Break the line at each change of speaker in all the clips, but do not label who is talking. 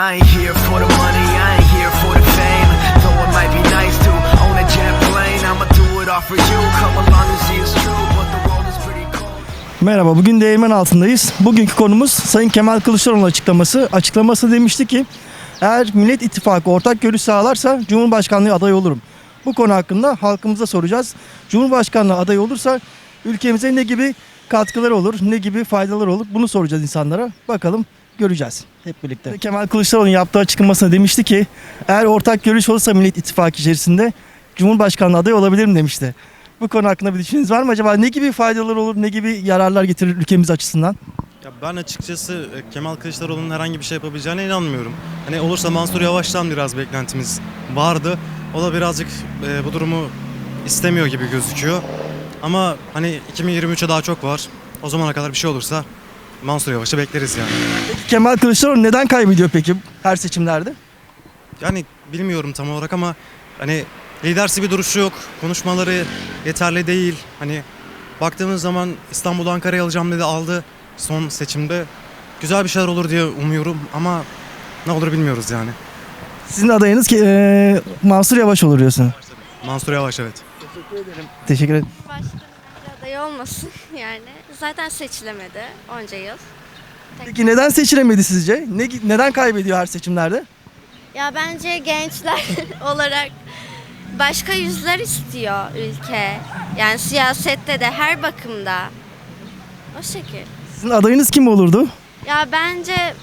I ain't here for the money, I ain't here for the fame. Though it might be nice to own a jet plane, I'ma do it all for you. Come along and see it's true, but the world is pretty cold.
Merhaba, bugün değirmen altındayız. Bugünkü konumuz Sayın Kemal Kılıçdaroğlu'nun açıklaması. Açıklaması demişti ki, eğer Millet İttifakı ortak görüş sağlarsa Cumhurbaşkanlığı adayı olurum. Bu konu hakkında halkımıza soracağız. Cumhurbaşkanlığı adayı olursa ülkemize ne gibi katkıları olur, ne gibi faydaları olur, bunu soracağız insanlara. Bakalım, göreceğiz hep birlikte. Kemal Kılıçdaroğlu'nun yaptığı açıklamasında demişti ki, eğer ortak görüş olursa Millet İttifakı içerisinde Cumhurbaşkanlığı adayı olabilirim demişti. Bu konu hakkında bir düşünceniz var mı acaba? Ne gibi faydalar olur, ne gibi yararlar getirir ülkemiz açısından?
Ya ben açıkçası Kemal Kılıçdaroğlu'nun herhangi bir şey yapabileceğine inanmıyorum. Hani olursa Mansur Yavaş'tan biraz beklentimiz vardı. O da birazcık bu durumu istemiyor gibi gözüküyor. Ama hani 2023'e daha çok var. O zamana kadar bir şey olursa Mansur Yavaş'ı bekleriz yani.
Peki Kemal Kılıçdaroğlu neden kaybediyor peki her seçimlerde?
Yani bilmiyorum tam olarak ama hani lidersi bir duruşu yok. Konuşmaları yeterli değil. Hani baktığımız zaman İstanbul'u Ankara'ya alacağım dedi, aldı son seçimde. Güzel bir şeyler olur diye umuyorum ama ne olur bilmiyoruz yani.
Sizin adayınız ki Mansur Yavaş olur diyorsun.
Mansur Yavaş, evet.
Teşekkür ederim.
Başkanın adayı olmasın yani. Zaten seçilemedi onca yıl.
Peki neden seçilemedi sizce? Neden kaybediyor her seçimlerde?
Ya bence gençler olarak başka yüzler istiyor ülke. Yani siyasette de her bakımda. O şekil.
Sizin adayınız kim olurdu?
Ya bence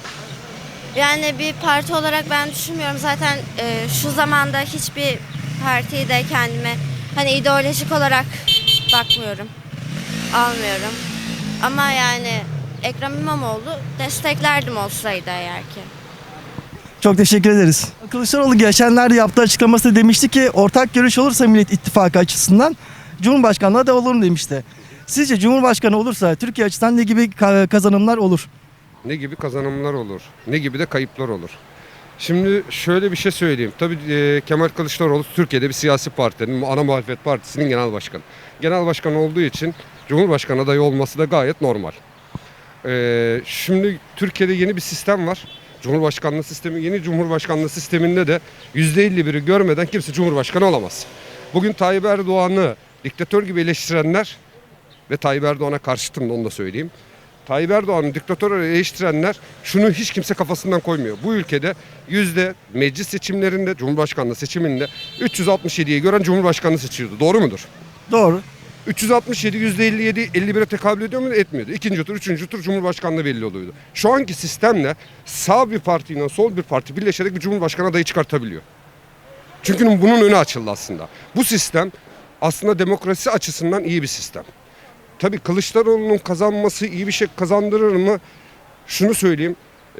yani bir parti olarak ben düşünmüyorum. Zaten şu zamanda hiçbir partiyi de kendime hani ideolojik olarak bakmıyorum. Almıyorum. Ama yani Ekrem İmamoğlu desteklerdim olsaydı eğer ki.
Çok teşekkür ederiz. Kılıçdaroğlu geçenlerde yaptığı açıklaması demişti ki ortak görüş olursa Millet İttifakı açısından Cumhurbaşkanlığı adayı olurum demişti. Sizce Cumhurbaşkanı olursa Türkiye açısından ne gibi kazanımlar olur?
Ne gibi kazanımlar olur, ne gibi de kayıplar olur. Şimdi şöyle bir şey söyleyeyim. Tabii Kemal Kılıçdaroğlu Türkiye'de bir siyasi partinin, ana muhalefet partisinin genel başkanı. Genel başkan olduğu için Cumhurbaşkanı adayı olması da gayet normal. Şimdi Türkiye'de yeni bir sistem var. Cumhurbaşkanlığı sistemi, yeni Cumhurbaşkanlığı sisteminde de %51'i görmeden kimse Cumhurbaşkanı olamaz. Bugün Tayyip Erdoğan'ı diktatör gibi eleştirenler ve Tayyip Erdoğan'a karşıtım da onu da söyleyeyim. Tayyip Erdoğan'ı diktatör eleştirenler şunu hiç kimse kafasından koymuyor. Bu ülkede meclis seçimlerinde, Cumhurbaşkanlığı seçiminde 367'yi gören Cumhurbaşkanı seçiyordu. Doğru mudur?
Doğru.
367 %57 51'e tekabül ediyor mu? Etmiyordu. İkinci tur, üçüncü tur Cumhurbaşkanlığı belli oluyordu. Şu anki sistemle sağ bir partiyle sol bir parti birleşerek bir Cumhurbaşkanı adayı çıkartabiliyor. Çünkü bunun önü açıldı aslında. Bu sistem aslında demokrasi açısından iyi bir sistem. Tabii Kılıçdaroğlu'nun kazanması iyi bir şey kazandırır mı? Şunu söyleyeyim.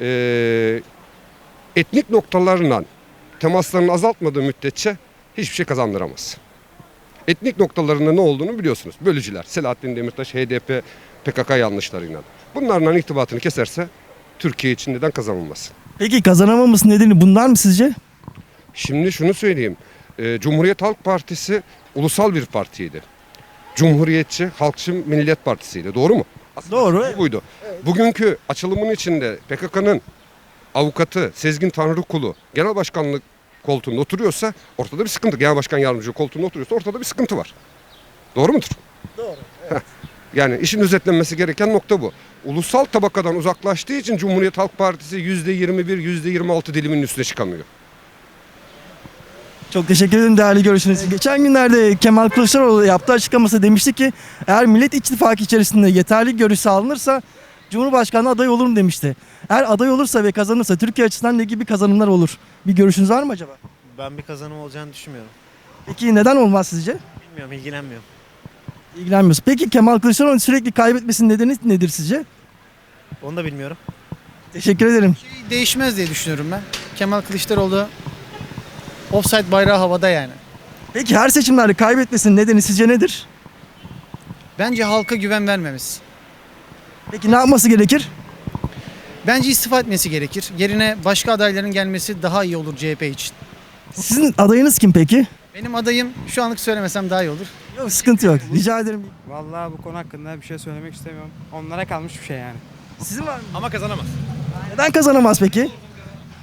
Etnik noktalarla temaslarını azaltmadığı müddetçe hiçbir şey kazandıramaz. Etnik noktalarında ne olduğunu biliyorsunuz. Bölücüler, Selahattin Demirtaş, HDP, PKK yanlışlarıyla. Bunlarla irtibatını keserse Türkiye için neden kazanılmaz?
Peki kazanamaması nedeni bunlar mı sizce?
Şimdi şunu söyleyeyim. Cumhuriyet Halk Partisi ulusal bir partiydi. Cumhuriyetçi, Halkçı Millet Partisi'ydi. Doğru mu? Aslında
Doğru.
buydu. Bugünkü açılımın içinde PKK'nın avukatı Sezgin Tanrıkulu genel başkanlık koltuğunda oturuyorsa ortada bir sıkıntı. Genel başkan yardımcısı koltuğunda oturuyorsa ortada bir sıkıntı var. Doğru mudur?
Doğru.
Yani işin özetlenmesi gereken nokta bu. Ulusal tabakadan uzaklaştığı için Cumhuriyet Halk Partisi %21, %26 diliminin üstüne çıkamıyor.
Çok teşekkür ederim değerli görüşünüz. Geçen günlerde Kemal Kılıçdaroğlu yaptığı açıklaması demişti ki eğer Millet İttifakı içerisinde yeterli görüş sağlanırsa Cumhurbaşkanı adayı olurum demişti. Eğer aday olursa ve kazanırsa Türkiye açısından ne gibi kazanımlar olur? Bir görüşünüz var mı acaba?
Ben bir kazanım olacağını düşünmüyorum.
Peki neden olmaz sizce?
Bilmiyorum, ilgilenmiyorum.
İlgilenmiyoruz. Peki Kemal Kılıçdaroğlu'nun sürekli kaybetmesinin nedeni nedir sizce?
Onu da bilmiyorum.
Teşekkür ederim.
Değişmez diye düşünüyorum ben. Kemal Kılıçdaroğlu offside bayrağı havada yani.
Peki her seçimlerde kaybetmesinin nedeni sizce nedir?
Bence halka güven vermemiz.
Peki ne yapması gerekir?
Bence istifa etmesi gerekir. Yerine başka adayların gelmesi daha iyi olur CHP için.
Sizin adayınız kim peki?
Benim adayım şu anlık söylemesem daha iyi olur.
Yok sıkıntı yok. Rica ederim.
Vallahi bu konu hakkında bir şey söylemek istemiyorum. Onlara kalmış bir şey yani.
Sizin var mı?
Ama kazanamaz.
Neden kazanamaz peki?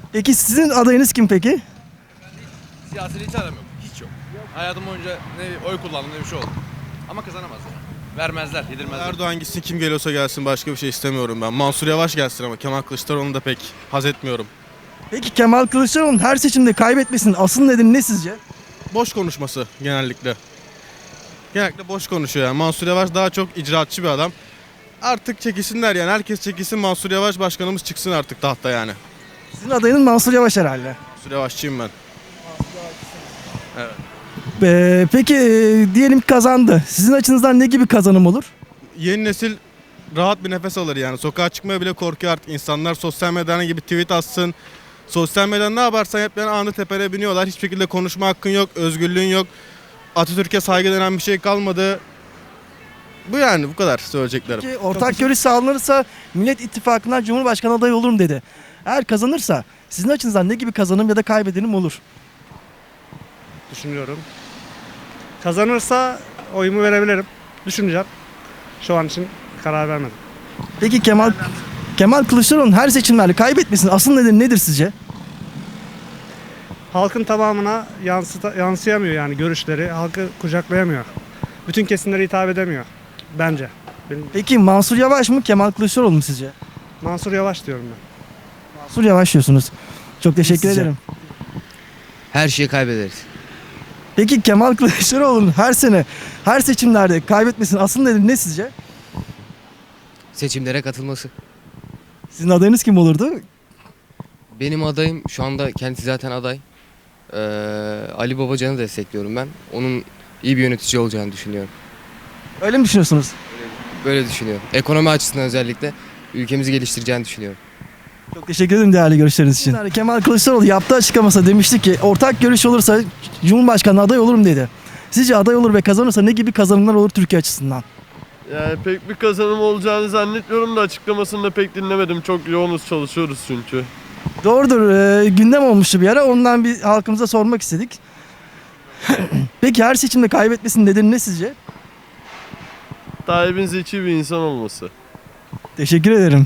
Peki sizin adayınız kim peki?
Siyaseti hiç aramıyorum. Hiç yok. Hayatım boyunca ne oy kullandım ne bir şey oldu. Ama kazanamaz yani. Vermezler, yedirmezler.
Erdoğan gitsin, kim geliyorsa gelsin, başka bir şey istemiyorum ben. Mansur Yavaş gelsin ama Kemal Kılıçdaroğlu'nu da pek haz etmiyorum.
Peki Kemal Kılıçdaroğlu'nun her seçimde kaybetmesinin asıl nedeni ne sizce?
Boş konuşması genellikle. Genellikle boş konuşuyor yani. Mansur Yavaş daha çok icraatçı bir adam. Artık çekilsinler yani. Herkes çekilsin, Mansur Yavaş başkanımız çıksın artık tahta yani.
Sizin adayınız Mansur Yavaş herhalde.
Mansur Yavaşçıyım ben.
Peki diyelim ki kazandı. Sizin açınızdan ne gibi kazanım olur?
Yeni nesil rahat bir nefes alır yani. Sokağa çıkmaya bile korkuyor artık insanlar. Sosyal medyadan gibi tweet atsın. Sosyal medyadan ne yaparsan hep yani anı tepene biniyorlar. Hiçbir şekilde konuşma hakkın yok, özgürlüğün yok. Atatürk'e saygı denen bir şey kalmadı. Bu yani bu kadar söyleyeceklerim.
Peki ortak görüş sağlanırsa Millet İttifakı'ndan Cumhurbaşkanı adayı olurum dedi. Eğer kazanırsa sizin açınızdan ne gibi kazanım ya da kaybedenim olur?
Düşünüyorum. Kazanırsa oyumu verebilirim. Düşüneceğim. Şu an için karar vermedim.
Peki Kemal Kılıçdaroğlu'nun her seçimlerde kaybetmesinin asıl nedeni nedir sizce?
Halkın tamamına yansıyamıyor yani görüşleri. Halkı kucaklayamıyor. Bütün kesimlere hitap edemiyor. Bence.
Peki Mansur Yavaş mı Kemal Kılıçdaroğlu mu sizce?
Mansur Yavaş diyorum ben.
Mansur Yavaş diyorsunuz. Çok teşekkür
Sizce?
ederim.
Her şeyi kaybederiz.
Peki Kemal Kılıçdaroğlu'nun her seçimlerde kaybetmesinin asıl nedeni ne sizce?
Seçimlere katılması.
Sizin adayınız kim olurdu?
Benim adayım şu anda kendisi zaten aday. Ali Babacan'ı destekliyorum ben. Onun iyi bir yönetici olacağını düşünüyorum.
Öyle mi düşünüyorsunuz?
Böyle düşünüyorum. Ekonomi açısından özellikle ülkemizi geliştireceğini düşünüyorum.
Çok teşekkür ederim değerli görüşleriniz için. Kemal Kılıçdaroğlu yaptığı açıklamasında demişti ki ortak görüş olursa Cumhurbaşkanı aday olurum dedi. Sizce aday olur ve kazanırsa ne gibi kazanımlar olur Türkiye açısından?
Yani pek bir kazanım olacağını zannetmiyorum da açıklamasını da pek dinlemedim. Çok yoğunuz, çalışıyoruz çünkü.
Doğrudur. Gündem olmuştu bir ara. Ondan bir halkımıza sormak istedik. Peki her seçimde kaybetmesinin nedeni ne sizce?
Tayyip'in zeki bir insan olması.
Teşekkür ederim.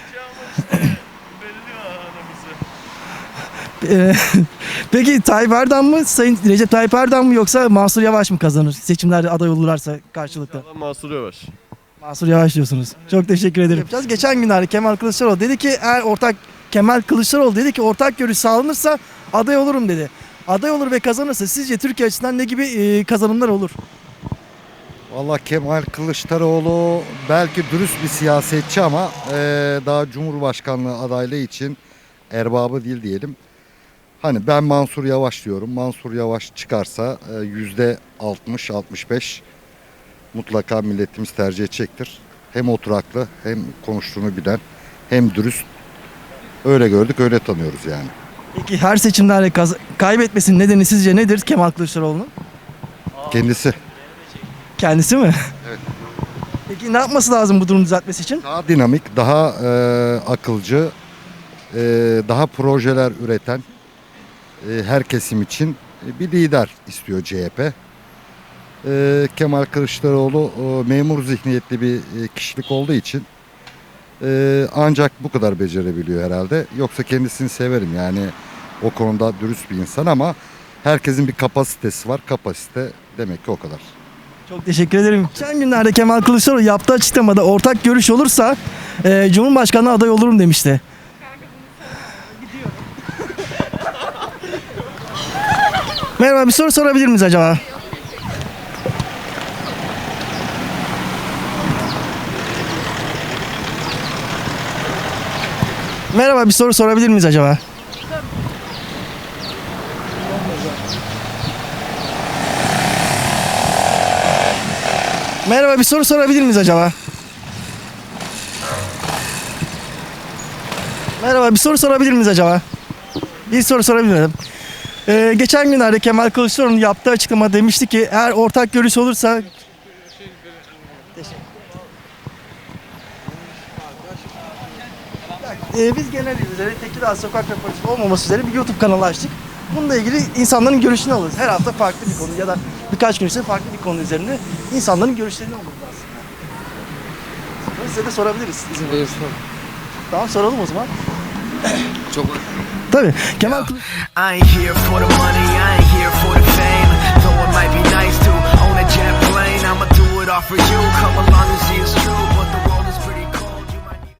Peki Tayyip Erdoğan mı, Sayın Recep Tayyip Erdoğan mı yoksa Mansur Yavaş mı kazanır? Seçimlerde aday olurlarsa karşılıklı.
Mansur Yavaş.
Mansur Yavaş diyorsunuz. Çok teşekkür ederim. Geçen günlerde Kemal Kılıçdaroğlu dedi ki ortak görüş sağlanırsa aday olurum dedi. Aday olur ve kazanırsa sizce Türkiye açısından ne gibi kazanımlar olur?
Valla Kemal Kılıçdaroğlu belki dürüst bir siyasetçi ama daha Cumhurbaşkanlığı adaylığı için erbabı değil diyelim. Hani ben Mansur Yavaş diyorum. Mansur Yavaş çıkarsa %60-65 mutlaka milletimiz tercih edecektir. Hem oturaklı hem konuştuğunu bilen hem dürüst. Öyle gördük öyle tanıyoruz yani.
Peki her seçimlerde kaybetmesinin nedeni sizce nedir Kemal Kılıçdaroğlu'nun?
Kendisi.
Kendisi mi?
Evet.
Peki ne yapması lazım bu durumu düzeltmesi için?
Daha dinamik, daha akılcı, daha projeler üreten her kesim için bir lider istiyor CHP. Kemal Kılıçdaroğlu memur zihniyetli bir kişilik olduğu için ancak bu kadar becerebiliyor herhalde. Yoksa kendisini severim yani o konuda dürüst bir insan ama herkesin bir kapasitesi var. Kapasite demek ki o kadar.
Çok teşekkür ederim. Geçen günlerde Kemal Kılıçdaroğlu yaptığı açıklamada ortak görüş olursa Cumhurbaşkanı aday olurum demişti. Merhaba, bir soru sorabilir miyiz acaba? Merhaba, bir soru sorabilir miyiz acaba? Merhaba, bir soru sorabilir miyiz acaba? Merhaba, bir soru sorabilir miyiz acaba? Bir soru sorabilir miyim? Geçen günlerde Kemal Kılıçdaroğlu'nun yaptığı açıklama demişti ki eğer ortak görüş olursa... Biz genel üzere Tekirdağ Sokak Röportajı olmaması üzere bir YouTube kanalı açtık. Bununla ilgili insanların görüşünü alırız. Her hafta farklı bir konu ya da birkaç gün içinde farklı bir konu üzerinde insanların görüşlerini alırız aslında. Size de sorabiliriz. İzin verirseniz. Tamam, soralım o zaman.
Çok
Tabii. Tabii. Kemal
I ain't here for the money, I ain't here for the fame. Though it might be nice to own a jet plane, I'ma do it all for you. Come along and see it's true, but the